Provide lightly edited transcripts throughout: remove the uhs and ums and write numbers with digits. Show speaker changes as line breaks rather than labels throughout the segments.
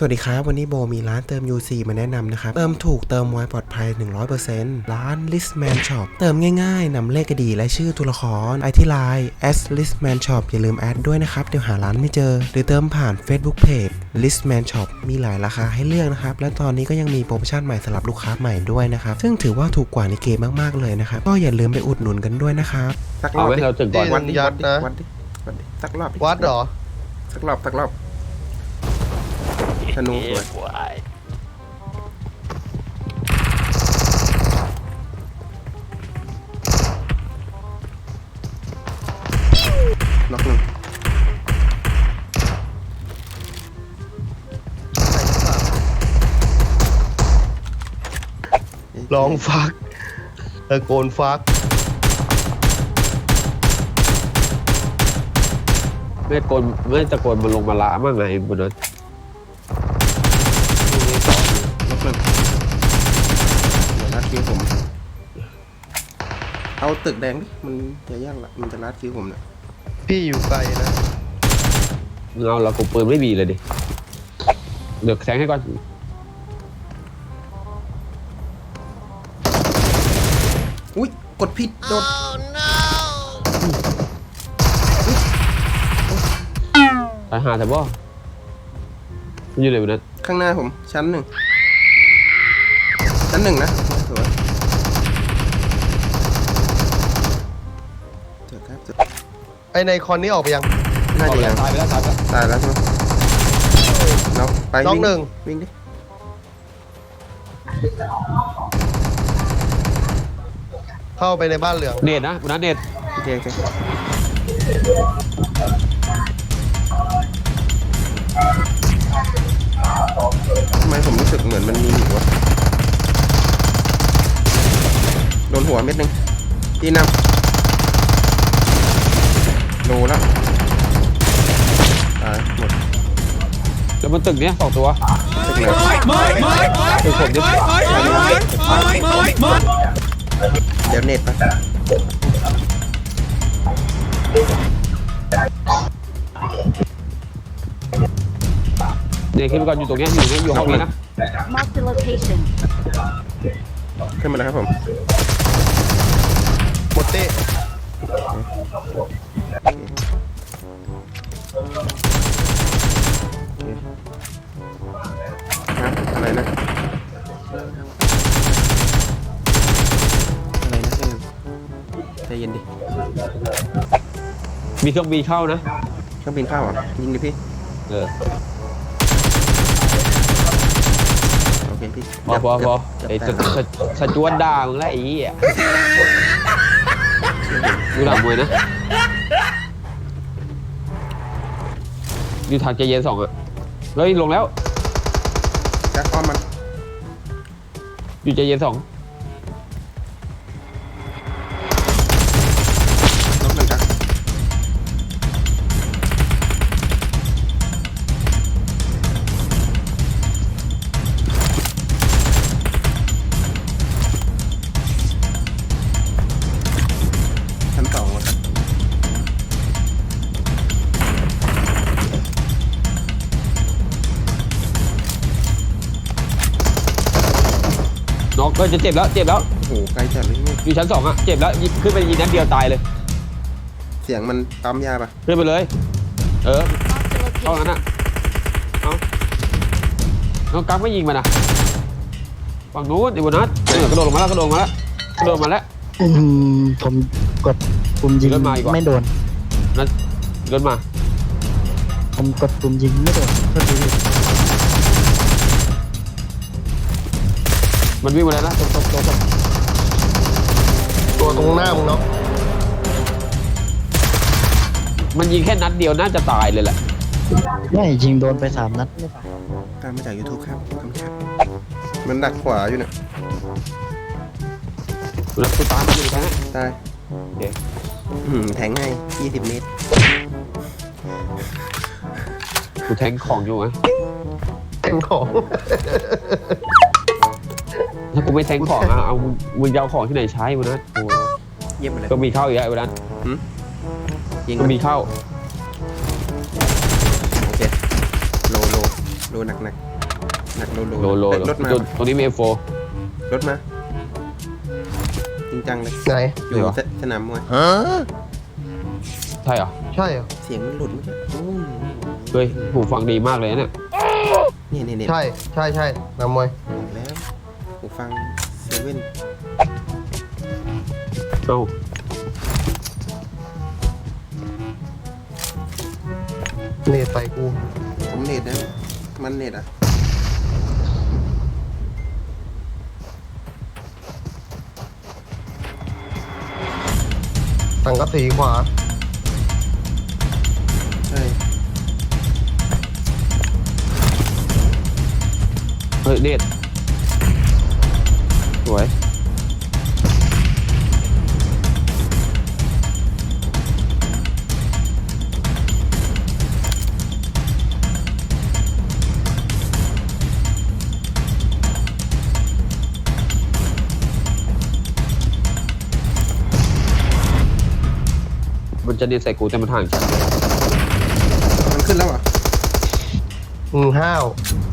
สวัสดีครับวันนี้โบมีร้านเติม UC มาแนะนำนะครับเติมถูกเติมไวปลอดภัย 100% ร้าน Listman Shop เติมง่ายๆนำเลข ID และชื่อตัวละครไอที่ไลน์ @listman shop อย่าลืมแอดด้วยนะครับเดี๋ยวหาร้านไม่เจอหรือเติมผ่าน Facebook Page Listman Shop มีหลายราคาให้เลือกนะครับและตอนนี้ก็ยังมีโปรโมชั่นใหม่สำหรับลูกค้าใหม่ด้วยนะครับซึ่งถือว่าถูกกว่าในเกมมากๆเลยนะครับก็อย่าลืมไปอุดหนุนกันด้วยนะครับสักรอบดิเราถึงก่อนวัดดิสักรอบ
วัดเหรอ
สักรอบธนูสวยล็อกหนึ่ง
ลองฟักตะโกนฟัก
ไม่ตะโกนมันลงมาละมั่งไงบนนั้น
ล็อกหนึ่งเดี๋ยวลัดคิวผมเอาตึกแดงดิมันจะยากละมันจะลัดคิวผมเนี่ย
พี่อยู่ไกลนะ
เอาเรากูปืนไม่มีเลยดิเดี๋ยวแทงให้ก่อน
อุ้ยกดผิดโดด
ตายหาแต่บ่มันอยู่ไหนบนนั้น
ข้างหน้าผมชั้นหนึ่งนะสวยเจอครับ
ไอในคอนนี้ออกไปยัง
น่าจะยัง
ตายไปแล้ว
ใช่ไหมเราไป
น้องหนึ่ง
วิ่งดิ
เข้าไปในบ้านเหลือง
เน็ตนะบนนั้นเน็ต
โอเคทำไมผมรู้สึกเหมือนมันมีหนูวะโดนหัวเม็ดนึงที่นำโลแล้วตายหมด
แล้วมันตึกเนี้ย2 ตัว
ตึกไหน
ตึกผมดิ
เดี๋ยวเน็ตไป
เน็ตขึ้นไปก่อนอยู่ตรงเนี้ยอยู่ห้องนี้นะ
Mark the location
ขึ้นมาแล้วครับผม
หมดเต้
อะไรนะใจเย็นดิ
มีเครื่องบินเข้านะ
เครื่องบินเข้าอ่ะยิงดิพี่โอเคพี่
พอไอ้สจวดด่ามึงแล้วไอ้เหี้ยดูหนังมวยนะอยู่ทางใจเย็น2อ่ะเฮ้ยลงแล้ว
จักอ้อมมัน
อยู่ใจเย็น2
ล็อกหนึ่งจักชั้น2แล้วกัน
น้องก็จะเจ็บแล้ว
โอ้โหไกลจัดเลยนี่
อยู่ชั้น2อ่ะเจ็บแล้วขึ้นไปยิงนัดเดียวตายเลย
เสียงมันปั๊มยาปะ
ขึ้นไปเลยเข้างั้นอ่ะน้องกั๊กไม่ยิงมันอ่ะฝั่งนู้นไอ้บนนัดกระโดดลงมาแล้ว
ผมกดปุ่มยิงไม่โดน
นั่นเดินมา
ผมกดปุ่มยิงไม่โดน
มันวิ่งมาแล้วนะตรง
ตัวตรงหน้ามึงเนาะ
มันยิงแค่นัดเดียวน่าจะตายเลยแหละ
ไม่ยิงโดนไป3 นัด
ตามมาจาก YouTube ครับคำชับมันดักขวาอยู่เนี่ย
แล้วกูตามมันอยู่แค่นั้น
ตาย
โอเค
แทงให้20 เมตร
กูแทงของอยู่ไง
แทงของ
ถ้ากูไม่แทงของอ่ะเอามึงจะเอาของที่ไหนใช้วะนะ
เยี่ยมไปเลย
ก็มีเข้าอีกแล้ววันนั้น
ยิง
ก็มีเข้า
โอเคโลหนักหนักโล
โล
เฮ้ยรถมา
ตรงนี้มี F4
รถมาจริงจังเลย
ไหน
อยู่
ไหนวะ
สนามมวย
ใช่เหรอ
ใช่เหรอ
เสียงมันหลุดเมื่อกี้โอ้ย
เฮ้ยหูฟังดีมากเลยเนี่ย
นี่
ใช่นำมวย
บอกแล้วหูฟังเซเว่น
เอ้า
เนตใส่กู
ผมเน็ตนะมันเน็ตอ่ะ
สังกะสีขวา
ใช่
เฮ้ยเนตสวยมันจะเนตใส่กูแต่มันห่างฉัน
มันขึ้นแล้วเหรอ่ะ
ห้าว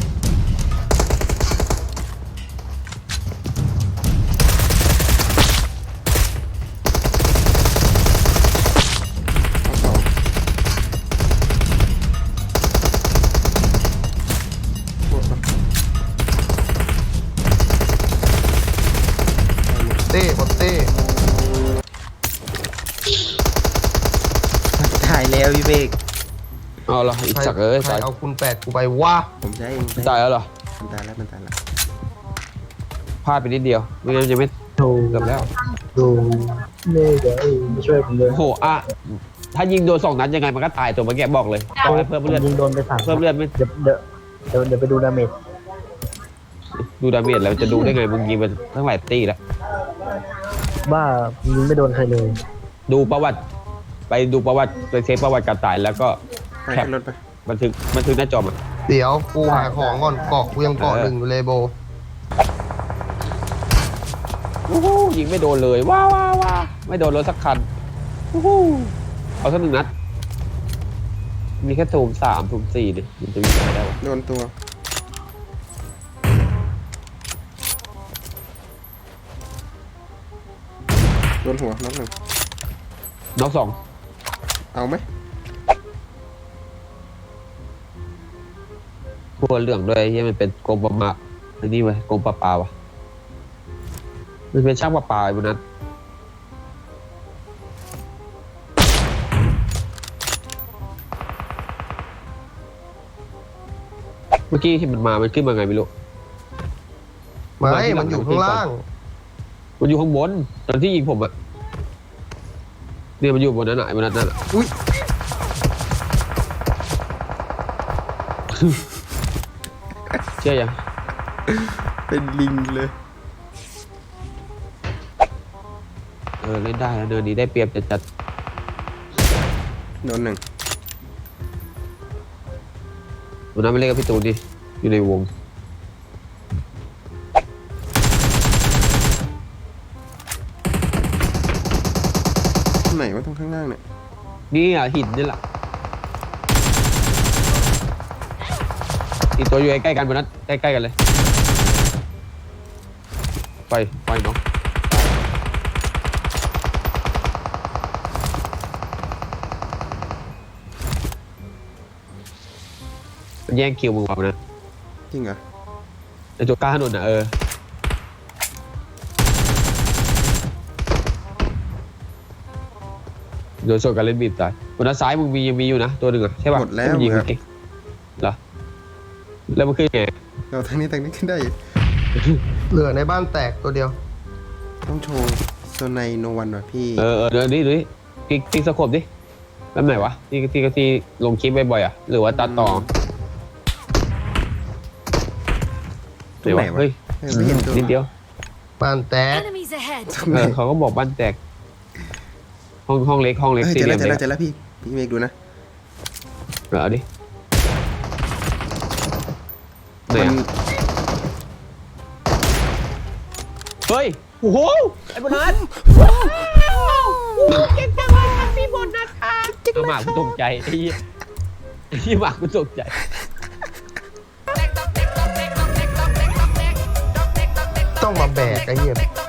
เอาสองหมดปะ
เต้บอลเต้
ถ่ายแล้วพี่เบก
เอาละอีกสักเอ้ย
ใคร
ตาย
เอาคุณ8กูไปวะ
ผมใช้เอง
ตายแล้วเหรอ
มันตายแล้วมันตายแล้ว
พลาดไปนิดเดียวไม่งั้นจะไม่
โธ่
เกือบแล้ว
ดูนี่เดี๋ยวไม่ช่วยผมเลย
โอ้โหอ่ะถ้ายิงโดน2 นัดยังไงมันก็ตายตัวเมื่อกี้บอกเลยต้องให้เพิ่มเลือด
ยิงโดนไป3
เพิ่มเลือดไม่
เดี๋ยวไปดูดาเมจ
ดูดาเมจแล้วจะดูได้ไงมึงยิงมันทั้งหลายตีแล้ว
ว่ายิงไม่โดนใครเลย
ดูประวัติไปดูประวัติไปเช็คประวัติการตายแล้วก็
ไป
แคป
ขึ้นรถไป
บันทึกหน้าจอมัน
เดี๋ยวกูหาของก่อนเกาะกูยังเกาะหนึ่งอยู่เลยโบ
โอ้โหยิงไม่โดนเลยว้าวไม่โดนรถสักคันโอ้โหเอาสัก1 นัดมีแค่ถุง3ถุง4ดิมันจะมีอะไรได้วะ
โดนตัวโดนหัวน็อกหนึ่ง
น็อก
เอาไหม
2หัวเหลืองด้วยที่มันเป็นกรมประมาอันนี้ไว้กรมประปาวะมันเป็นช่างประปาไอ้พวกนั้นเมื่อกี้ที่มันมามันขึ้นมาไงไม่รู้
ไม่มันอยู่ข้างล่าง
มันอยู่ข้างบนตอนที่ยิงผมอะเนี่ยมันอยู่บนนั้นอะไอ้บนนั้นอะ
อุ้ย
เชื่อยัง
เป็นลิงเลย
เล่นได้นะเดินนี้ได้เปรียบจัด
โดนหนึ่ง
ๆวันนั้นไม่เล่นกับพี่ตูนดิอยู่ในวง
ไหนวะตรงข้างล่างเนี่ย
นี่อ่ะหินนี่แหละอีกตัวอยู่ใกล้ๆกันบนนั้นใกล้ๆกันเลยไปเนาะมันแย่งคิวมึงว่ะนะ
จริงเหรอ
ไอตัวกล้าถนนอ่ะโดนโซนการเล่นบีบตายบนด้านซ้ายมึงยังมีอยู่นะตัวหนึ่งอ่ะใช่ป่ะ
หมดแล้ว
ที่มันยิง
ครับ
เก่งเหรอแล้วมันขึ้นไง
เราทางนี้ขึ้นได้อยู่
เหลือในบ้านแตกตัวเดียว
ต้องโชว์โซไนโนวันหน่อยพี่
เดี๋ยวดูดิติ๊กสโคปดิแล้วไหนวะที่ลงคลิปบ่อยๆอ่ะหรือว่าตัดต่อ
ตรงไหนวะ
เฮ้ย
ไม่เห็นตัว
นิดเดียว
บ้านแตก
Enemies ahead.
เขาก็บอกบ้านแตกห้องเล็ก
เฮ้ย
สี่
เจอ
เหลี่
แล้
ยว ม
เจอ
เล็
แล้ว
ก
เจอแล้วพี่เมฆดูนะ
เอาดิไหน
มัน
อะเฮ้ยโอ้โหไอ้โบนัสเก่งจังเลยครับพี่โบนัสค่ะหมากกูตกใจไอ้เหี้ยหมากกูตกใจ
Back up, back up, back
ต้องมาแบกไอ้เหี้ย